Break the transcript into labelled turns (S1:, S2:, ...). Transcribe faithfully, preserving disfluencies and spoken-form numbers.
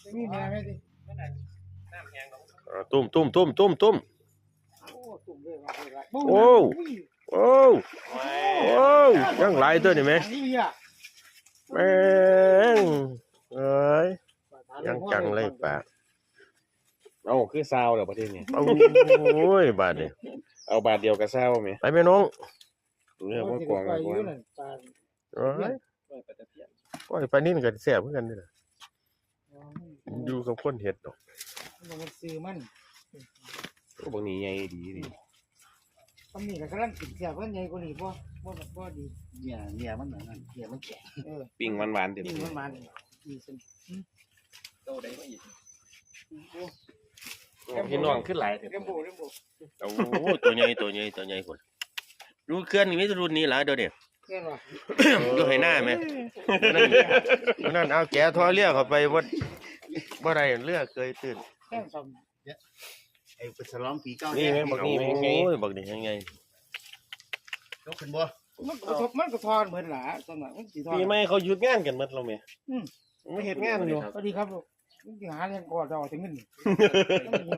S1: มีแม่ไหมดิ
S2: ตุ้มตุ้มตุ้มตุ้มตุ้ม
S1: โอ้ตุ่มเลยว่า
S2: โอ้โอ้โอ้ยังหลายตัวนี่ไหมแม่งเอ้ยยังจังเลยป่า
S3: เอ้าคือซาวเหรอประเทศนี้
S2: โอ้ยบาดนี่
S3: เอาบาทเดียวกับซาวไหม
S2: ไปแม่น้อง
S3: เรื่องว่ากวางกับกวาง
S2: เอ้ยโอ้ยปลานิ่นก็แซ่บเหมือนกันนี่แหละอยู่กับคนเห็ดดอก
S1: มันซื้อมัน
S3: ก็บางนี้ใหญ่ดีดี
S1: ตำนี้ก็กำลังกินเสียเพิ่นใหญ่กว่านี้บ่บ่บ่ดี
S4: เนี่ยเนี่ยมันนั่นเนี่ยมันแข็ง
S1: เออ
S3: ปิ้งหวานๆเต็ม
S1: นี่มันมันดีสิ
S4: โตได้มาอีก
S3: พี่น้องขึ้นหลายเถอะ
S1: เรมโบเรมโบ
S2: โอ้ตัวใหญ่ตัวใหญ่ตัวใหญ่คนรู้เคลื่อนนี่มีแต่รุ่นนี้ล่ะเดี๋ยวนี้
S1: เพื่อนว่า
S2: อยู่ให้หน้าไหมนั่นนั่นเอาแกะทอเรียกเข้าไปบ่บ่ได้เรือเคยตื่น
S1: แค่ซ้ำ
S4: ไอ้เป็นสลองปีเก้า
S3: นี่
S4: เนี่ย
S3: แม่งบักนี่แม่งไง
S2: โอ้ยบักนี่ยังไง
S4: ยกขึ้นบ่
S1: มันก็ทบมันก็ทอนเหมือนหลาตอนนั้นมันสิทอน
S3: ปีใหม่เขาหยุดงานกันหมดแล้วแม่
S1: อืม
S3: ไม่เฮ็ดงานอยู่
S1: สวัสดีครับลูกมึงสิหาเรื่องก่อเจ้าถึงเงิน